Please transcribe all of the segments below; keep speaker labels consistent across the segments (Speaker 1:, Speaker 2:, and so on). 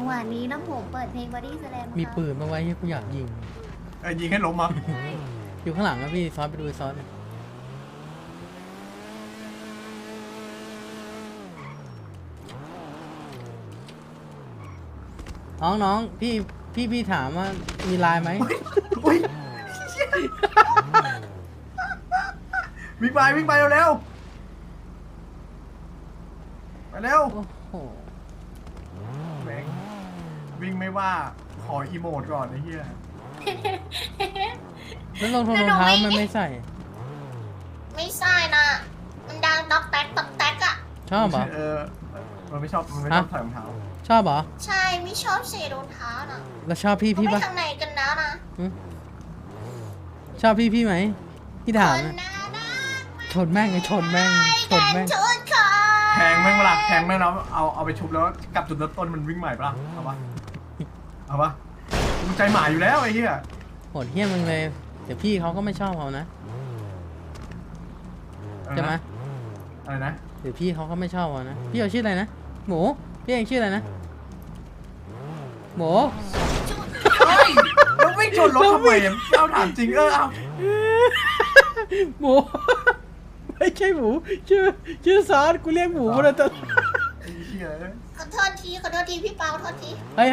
Speaker 1: หวะนี้นะผมเปิดเพลงบอดี้สแลม
Speaker 2: มีปืนมาไว้ให้กูอยากยิง
Speaker 3: ยิงให้ล้มมา
Speaker 2: อยู่ข้างหลังนะพี่ซอสไปดูซอสน้องพี่ถามว่ามีไลน์ไหม
Speaker 3: อุ้ยวิ่งไปเร็วไปเร็ว
Speaker 2: โอ้โห
Speaker 3: แม่งวิ่งไม่ว่าขออีโมดก่อนไอ้เหี้ย
Speaker 2: แล้วรองเท้ามันไม่ใส่
Speaker 4: ไม่ใช่นะมันดังต๊อกแต๊กต๊อกแต๊กอะ
Speaker 2: ชอบเหรอ
Speaker 3: มันไม่ชอบใส่รองเท้า
Speaker 2: ชอบเหรอ
Speaker 4: ใช่ไม่ชอบใส่รองเท้านะ
Speaker 2: แล้วชอบพี่
Speaker 4: เขาไป
Speaker 2: ปะ
Speaker 4: ทางไหนกันแล้วนะ
Speaker 2: ชอบพี่ไหมพี่ถาม
Speaker 4: คน
Speaker 2: นะ
Speaker 4: น่ารัก
Speaker 2: ชนแม่งชนแม่ง
Speaker 4: ชุดค่ะ
Speaker 3: แทงแม่งเวลาแทงแม่งแล้วเอาไปชุบแล้วกลับจุดเริ่มต้นมันวิ่งใหม่ปะล่ะเอาปะมึงใจหมาอยู่แล้วไอ้เหี้ย
Speaker 2: โหดเหี้ยมึงเลยเดี๋ยวพี่เขาก็ไม่ชอบเขานะใช่ไหม
Speaker 3: อะไรนะ
Speaker 2: เดี๋ยวพี่เขาก็ไม่ชอบเขานะพี่เอาชื่ออะไรนะหมูพี่เองชื่ออะไรนะหมู
Speaker 3: เฮ้ยแล้ววิ่งชนรถทำไมเอาถามจริงเอา
Speaker 2: หมูไม่ใช่หมูชื่อซอสกูเรียกหมูมาตลอด
Speaker 3: ไอ้เหี้ย
Speaker 4: ขอโทษทีพี่เปาโทษที
Speaker 2: เฮ้ย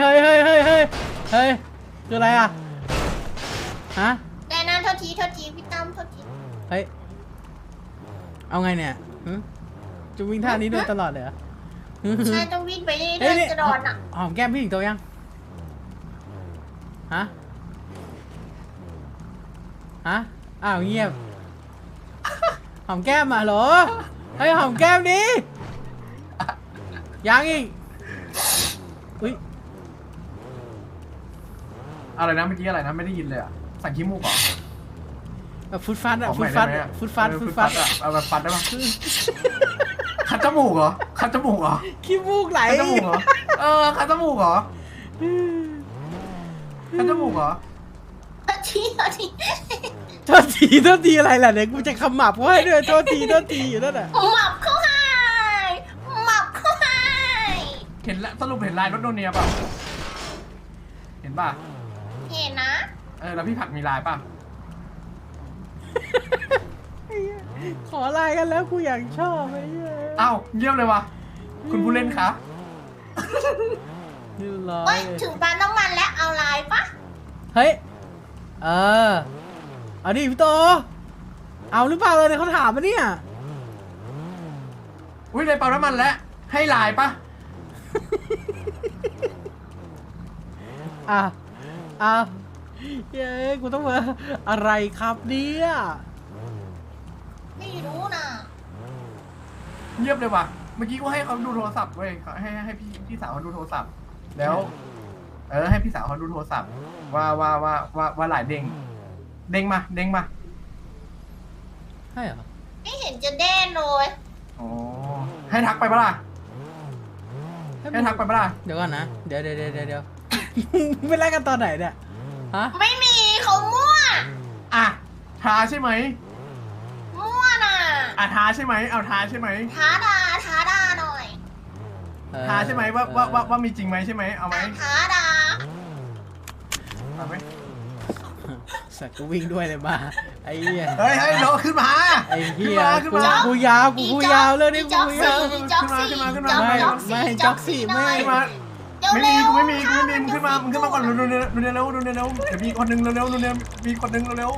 Speaker 2: คืออะไรอ่ะฮะ
Speaker 4: แต่นั้นโทษทีพี่ตั้มโทษที
Speaker 2: เฮ้ยเอาไงเนี่ยจะวิ่งท่านี้โดยตลอดเลยเหรอ
Speaker 4: ใช่ต้องวิ่งไปเรื่อยๆกระโดดอ่ะ
Speaker 2: หอมแก้มพี่ถึงตัวยังฮะอ้าวเงียบหอมแก้มมาเหรอเฮ้ยหอมแก้มดิยังอีกอุ้ย
Speaker 3: อะไรนะเมื่อกี้อะไรนะไม่ได้ยินเลยอ่ะสั่งขี้มูกเหรอ
Speaker 2: แบบฟุตฟัดอะ
Speaker 3: ขอ
Speaker 2: ฟุ
Speaker 3: ให
Speaker 2: ต
Speaker 3: ม่
Speaker 2: ฟัด
Speaker 3: ได้ไหมอะ
Speaker 2: ฟุตฟัด
Speaker 3: อะเอาแบบฟัดได้ปะคัดจมูกเหรอคัดจมูกเหรอ
Speaker 2: ขี้มูกไหล
Speaker 3: คัดจมูกเหรอคัดจมูกเหรอคัดจมูกเหรอ
Speaker 4: โทษที
Speaker 2: โทษทีอะไรล่ะเนี่ยกูจะขมับเขาให้ด้วยโทษทีอยู่นั่นแหละ
Speaker 4: หมับเข้าให้
Speaker 3: เห็นแล้วสรุปเห็นลายรถโนเนียป่ะเห็นป่ะ
Speaker 4: เห็นนะ
Speaker 3: แล้วพี่ผักมีลายป่ะ
Speaker 2: ขอไลน์กันแล้วกูอยากชอบไอ้เหี้ย
Speaker 3: อ้าวเยี่ยมเลยวะคุณผู้เล่นคะ
Speaker 2: นี่ร้อ
Speaker 4: เอ้
Speaker 2: ย
Speaker 4: ยถึงปั๊มน้ำมันแล้วเอาไลน์ปะ
Speaker 2: เฮ้ยเอาดิพี่โตเอาหรือเปล่าเลยเขาถามมาเนี่ย
Speaker 3: อุ้ยในปั๊มน้ำมันแล้วให้ลายป่ะ
Speaker 2: เย้กูต้องมาอะไรครับเนี่ย
Speaker 4: ไม่รู้นะ
Speaker 3: เงียบเลยวะเมื่อกี้กูให้เขาดูโทรศัพท์เว้ยให้พี่สาวเขาดูโทรศัพท์แล้วให้พี่สาวเขาดูโทรศัพท์ว่าหลายเด้งมา
Speaker 2: ใช่เหรอ
Speaker 4: ไม่เห็นจะเด่นเลย
Speaker 3: อ๋อให้ทักไปปะล่ะให้ทักไปปะล่ะ
Speaker 2: เดี๋ยวก่อนนะเดี๋ยว ไม่ไล่กันตอนไหนเนี่ยฮะ
Speaker 4: ไม่มีเขามั่ว
Speaker 3: อ่ะทาใช่ไหม
Speaker 4: มั่วน่ะ
Speaker 3: ทาใช่ไหมเอาทาใช่ไหม
Speaker 4: ท้าดาหน่อย
Speaker 3: ทาใช่ไหมว่ามีจริงไหมใช่ไหมเอาไหม
Speaker 4: ท้าดา
Speaker 3: เอาไหม
Speaker 2: สัตว์กูวิ่งด้วยเลยมาไอ้เหี้ย
Speaker 3: เฮ้ยน้องขึ้นมา
Speaker 2: ไอ้เหี้ย
Speaker 3: ขึ้นมา
Speaker 2: กูยาวเรื่องนี้กูยาว
Speaker 4: จ็อกสี่
Speaker 2: ไม่จ็อกสี่ไม่
Speaker 3: ขึ้นมาไม่มีกูมึงขึ้นมาก่อนเร็วเดี๋ยวมีคนนึงเร็วมีคนนึงเร็ว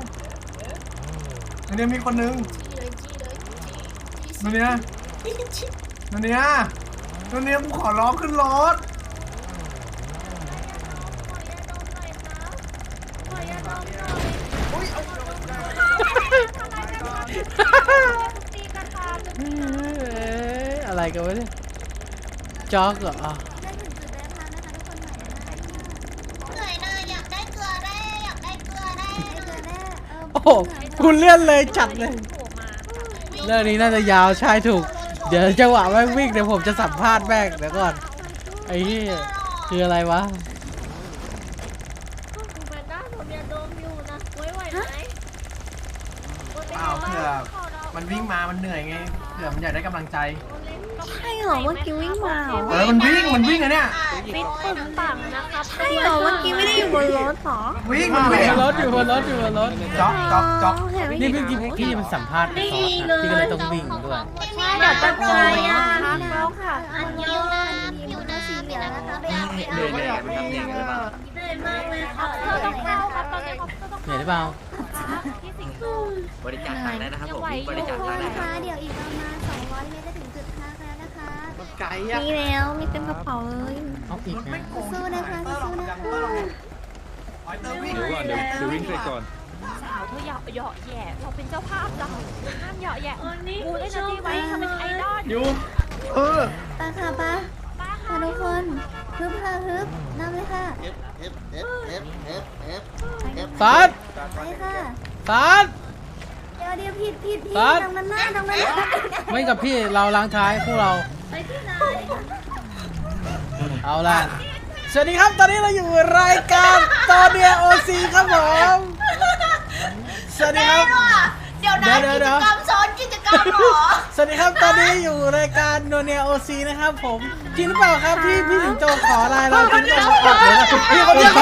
Speaker 3: มีคนนึงเนี่ยกูขอร้องขึ้นรถ
Speaker 2: อะไรกันวะเนี่ยจ็อกเหรอ
Speaker 4: เหนื่อยนะอยากได้เกลือได้
Speaker 2: โอ้โหคุณเลื่อนเลยจัดเลยเรื่องนี้น่าจะยาวใช่ถูกเดี๋ยวจังหวะแม่งวิ่งเดี๋ยวผมจะสัมภาษณ์แม่งเดี๋ยวก่อนไอ้เหี้ยคืออะไรวะ
Speaker 5: คุณแพนด้าผมยาดมอยู่นะไว้ไหวไหม
Speaker 3: เปล่าเพื่อ
Speaker 5: ขอเรา
Speaker 3: มันวิ่งมามันเหนื่อยไงเผื่อมันอยากได้กำลังใจ
Speaker 1: ใช่เหรอเมื่อกี้วิ่งมาเหรอ
Speaker 3: มันวิ่งอะเนี่ย
Speaker 4: ฟิตปึงปังนะครับ
Speaker 1: ใช่เหรอเมื่อกี้ไม่ได้อยู่บนรถเหรอ
Speaker 3: วิ่ง
Speaker 2: อ
Speaker 3: มันวิ่ง
Speaker 2: ยู่บนรถอยู่บนรถอยู่บนรถ
Speaker 3: จ๊อก
Speaker 1: เห็นไหม
Speaker 2: นี่พี่มันสัมภาษณ์ซอสนะพี่ก็เลยต้องวิ่งด้วย
Speaker 1: เดี๋ยวจะใจอ่ะ
Speaker 4: แล้วค่ะ
Speaker 1: อันยองนะทีมสีเหลืองนะคะไปเอาไปเอา
Speaker 5: เหนื่อยไหมครับเหนื่อยหรือเปล่า
Speaker 1: เหนื่อยมากเลยค่ะ
Speaker 4: ต้องเข้าครับตอนนี้เขาต้อง
Speaker 2: เหนื่อยหรือเปล่า
Speaker 4: ที่สิงห์
Speaker 5: บริจาคตังค์ได้นะครับผมบริจาคตังค์ได้
Speaker 1: นะ
Speaker 5: ครั
Speaker 1: คะ
Speaker 5: บ
Speaker 1: เดี๋ยวอีกประมาณ200 เมตรจะถึงจุดพักแล้วนะคะ
Speaker 3: ไก่อะ
Speaker 1: มีแล้วมีเต็มกระเป๋าเลย
Speaker 2: เอาอีก
Speaker 3: รถไม่
Speaker 2: นะ
Speaker 3: โกง
Speaker 1: สู้นะคะสู้นะคะ
Speaker 6: เดี๋ยววิ่งเสร็จก่อน
Speaker 4: สาวเธออย่าเหยาะแย่เราเป็นเจ้าภาพเราห้ามเหยาะแย่กูเล่นนาทีไว้ทำเป็นไอดอล
Speaker 3: อยู่
Speaker 1: ไปค่ะป้า
Speaker 4: ป้า
Speaker 1: ค่ะทุกคนฮึบค่ะฮึบนำเลยค่ะ
Speaker 2: ซอส
Speaker 1: ไปค่ะ
Speaker 2: ซอส
Speaker 1: เดี๋ยวผิด
Speaker 2: ครับ
Speaker 1: ตรงนั้นหน้าตรงนั้น
Speaker 2: ไม่กับพี่เราล้างท้ายพวกเรา
Speaker 1: ไปที่ไหน
Speaker 2: เอาล่ะสวัสดีครับตอนนี้เราอยู่รายการตอนเดียโอซีครับผมสวัสดีครับ
Speaker 4: เดี๋ยวนะกิจกรรมซ้อนกิจกรรมหรอ
Speaker 2: สวัสดีครับตอนนี้อยู่รายการโนเนียโอซีนะครับผมจริงหรือเปล่าครับที่พี่สิงโตขอไลน์เราจริงหรือเปล่าครับเดี๋ยวนะพี่คนเดียว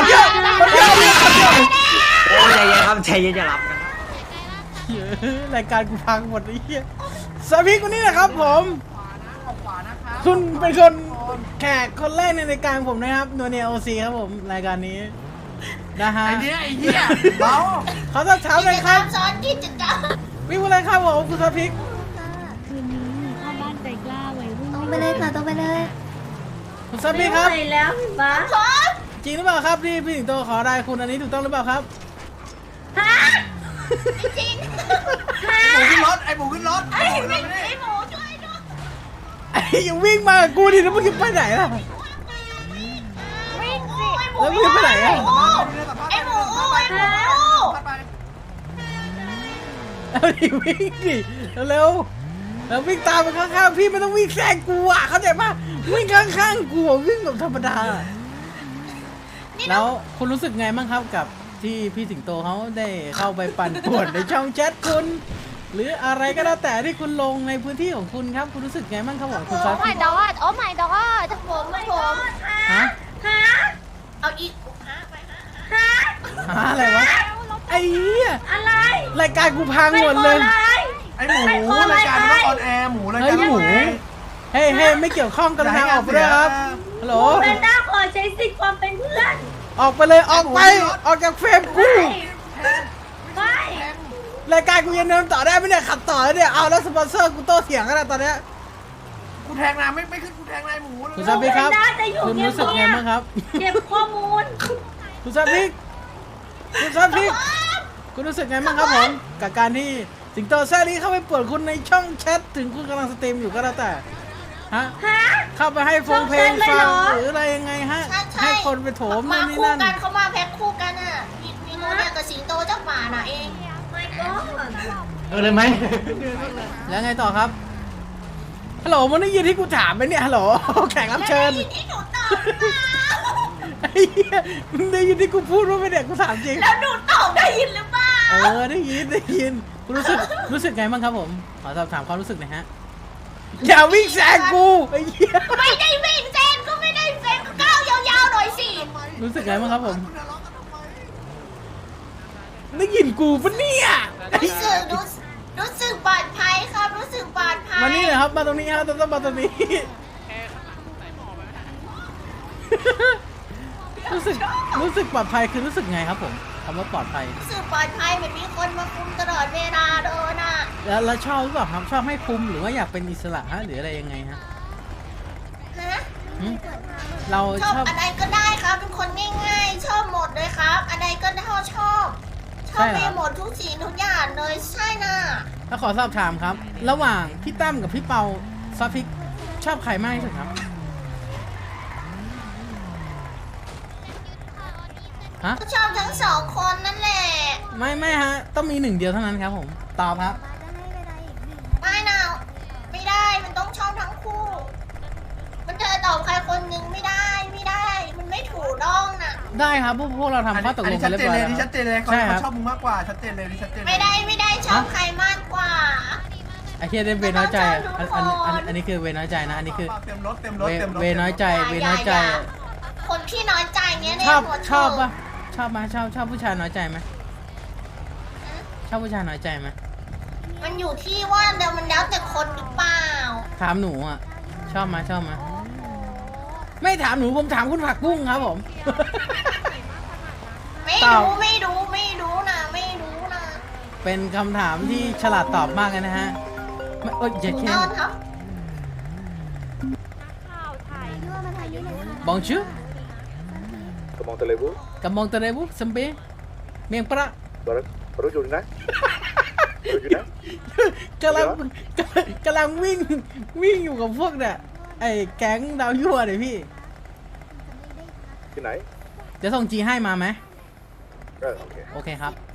Speaker 5: โอ้ใจเย็นครับใจเย็นอย่ารับนะครับ
Speaker 2: รายการกูพังหมดไอ้เหี้ยสวัสดีคนนี้นะครับผมคุณเป็นคนแขกคนแรกในรายการผมนะครับโนเนียโอซีครับผมรายการนี้นะฮะ
Speaker 3: ไอ้เนี่ยไอ้เหี้ยเบา
Speaker 2: เขาจะถามเลยครับ
Speaker 4: ซ้อนกิจกรรม
Speaker 2: วิ่งอะไรครับผมคุณสพิก
Speaker 1: คืนนี้เข้าบ้านใจกล้าไว้รุ่นตรงไปเลยค่ะตรงไปเลย
Speaker 2: คุณสพิกครับ
Speaker 1: แล้วป้า
Speaker 2: จริงหรือเปล่าครับที่พี่สิงโตขอได้คุณอันนี้ถูกต้องหรือเปล่าครับ
Speaker 4: จริง
Speaker 3: หมูขึ้นรถไอ้หมูขึ้นรถ
Speaker 4: ไอ้หมูช่วยด้วย
Speaker 2: ไอ้ยังวิ่งมากับกูดิแล้วมึงจะไปไหนล่ะ
Speaker 4: วิ่งสิ
Speaker 2: แล้วมึงจะไปไหนอ่ะ
Speaker 4: ไอ้หมู
Speaker 2: เอาดิวิ่งดิเร็วๆแล้ววิ่งตามไปข้างๆพี่ไม่ต้องวิ่งแซงกูอ่ะเข้าใจปะวิ่งข้างๆกูอะวิ่งแบบธรรมดาแล้วคุณรู้สึกไงบ้างครับกับที่พี่สิงโตเขาได้เข้าไปปั่นป่วนในช่องแชทคุณ หรืออะไรก็แล้วแต่ที่คุณลงในพื้นที่ของคุณครับคุณรู้สึกไงบ้างครับผมคุณซอส
Speaker 4: โอ้ my god โอ้ my god ผม
Speaker 2: ฮะ
Speaker 4: เอาอีกไป
Speaker 2: หาอะไรวะไอ้เหี้ย
Speaker 1: อะไร
Speaker 2: รายการกูพังหมดเลย
Speaker 3: ไอ้หมูรายการมันต้องออนแอร์หมูราย
Speaker 2: เฮ้
Speaker 3: กาย ร
Speaker 2: หมูเฮ้ยไม่เกี่ยวข้องกันทางออกไปด้วยครับฮัลโหล
Speaker 1: เป็นด้าขอใช้สิทธิ์ความเป็นเพื่อน
Speaker 2: ออกไปเลยออกไปออกจากเฟรมกู
Speaker 1: ไม่
Speaker 2: รายการกูยังเดินต่อได้ไหมเนี่ยขับต่อแล้วเนี่ยเอาแล้วสปอนเซอร์กูโต้เถียงกันแล้วตอนเนี้ย
Speaker 3: กูแทงนายไม่ขึ้นกูแทงนายหมูเลย
Speaker 2: คุณซาบิกครับคุณรู้สึกไงบ้างครับ
Speaker 1: เก็บข้อมูล
Speaker 2: คุณซาบิกคุณรู้สึกไงบ้างครับผมกับการที่สิงโตแซ่นี้เข้าไปป่วนคุณในช่องแชทถึงคุณกำลังสตรีมอยู่ก็แล้วแต่ฮะเข้าไปให้ฟงเพลงฟังหรืออะไรยังไงฮะให้คนไปโถม
Speaker 4: มา
Speaker 2: นี่
Speaker 4: คู่
Speaker 2: นั่น
Speaker 4: กันเขามาแพ็คคู่กันอ่ะมีโมเดลกับสิงโตเจ้าป่าน่ะเอง
Speaker 1: ไม่ก็
Speaker 5: เลยไหม
Speaker 2: แล้วไงต่อครับฮัลโหลมันได้ยินที่กูถามไหมเนี่ยฮัลโหลแขกรับเชิญ
Speaker 4: ที่หนูตอบ
Speaker 2: ไอ้เหี้ยมึงได้ยินที่กูพูดว่าไม่เนี่ยกูถามจริง
Speaker 4: แล้วหนูตอบได้ยินหรือเปล่า
Speaker 2: ได้ยินคุณรู้สึกไงบ้างครับผมขอสอบถามความรู้สึกหน่อยฮะอย่าวิ่งแซงกูไอ้เหี้ย
Speaker 4: ไม่ได้วิ่งเซนก็ไม่ได้เซนก็ก้าวยาวๆหน่อยสิ
Speaker 2: รู้สึกไงบ้างครับผมได้ยินกูปะเนี่ยไอ้
Speaker 4: รู้สึกปลอดภัยครับรู้สึกปลอดภัย
Speaker 2: มานี่เลยครับมาตรงนี้ครับต้องมาตรงนี้รู้สึกปลอดภัยคือรู้สึกไงครับผมคำว่าปลอดภัย
Speaker 4: รู้สึกปลอดภัยเหมือนมีคนมาคุมตลอดเวลาโดนอ่ะ
Speaker 2: แล้วชอบหรือเปล่าครับชอบให้คุมหรือว่าอยากเป็นอิสระฮะหรืออะไรยังไงฮะ
Speaker 4: ฮะ
Speaker 2: หึเรา
Speaker 4: ชอบ
Speaker 2: ชอบ
Speaker 4: อะไรก็ได้ครับเป็นคนง่ายๆชอบหมดเลยครับอะไรก็ได้ชอบไปหมดทุกสิ่งทุกอย่างเลยใช่น่ะ
Speaker 2: แล้วขอสอบถามครับ ระหว่างพี่ตั้มกับพี่เปาซอฟฟิกชอบใครมากที่สุดครับฮะ
Speaker 4: ก็ชอบทั้งสองคนนั่นแหละ
Speaker 2: ไม่ฮะต้องมีหนึ่งเดียวเท่านั้นครับผมตอบครับ
Speaker 4: ไม่นะไม่ได้มันต้องชอบทั้งคู่ มันจะตอบใครคนหนึ่งไม่ได้มันไม่ถูกต้องน่ะ
Speaker 2: ได้ครับพวกเราทำข้อตกลงกันเรียบร้อยแล้ว
Speaker 3: ชัดเจนเลย
Speaker 2: ใช่ครับ
Speaker 3: เขาชอบมึงมากกว่าชัดเจนเลยนี่ชัดเจนเลย
Speaker 4: ไม่ได้ชอบใครมากกว่า
Speaker 2: ไอ้เฮียได้เวน้อยใจอะอันนี้คือเวน้อยใจนะอันนี้คือ
Speaker 3: เต็มรถเต็มรถเต็มรถ
Speaker 2: เวน้อยใจเวน้อยใจ
Speaker 4: คนที่น้อยใจเนี้ย
Speaker 2: ชอบ
Speaker 4: หัว
Speaker 2: ชอบปะชอบไหมชอบผู้ชายน้อยใจไหมชอบผู้ชายน้อยใจไหม
Speaker 4: มันอยู่ที่ว่าเดี๋ยวมันแล้วแต่คนหรือเปล่า
Speaker 2: ถามหนูอ่ะชอบไหมไม่ถามหนูผมถามคุณผักบุ้งครับผม
Speaker 4: ไม่
Speaker 2: ตอบ
Speaker 4: รู้ไม่รู้ไม่รู้นะไม่รู้นะ
Speaker 2: เป็นคำถามที่ฉลาดตอบมากเลยนะฮะไม่เอ้ยอย่า
Speaker 4: ถูก
Speaker 2: แค่
Speaker 4: ต้องครับ
Speaker 2: บองชื่อ
Speaker 6: Comment allez-vous?
Speaker 2: กับมองตะเรบุสัมเปเมียงปะ
Speaker 6: Baru Jurina? Baru Jurina?
Speaker 2: กำลังวิ่งอยู่กับพวกเนี่ยไอ้แก๊งดาวยั่วเลยพี่
Speaker 6: ที่ไหน
Speaker 2: จะส่งจีให้มาไหม
Speaker 6: โอเค
Speaker 2: โอเคครับ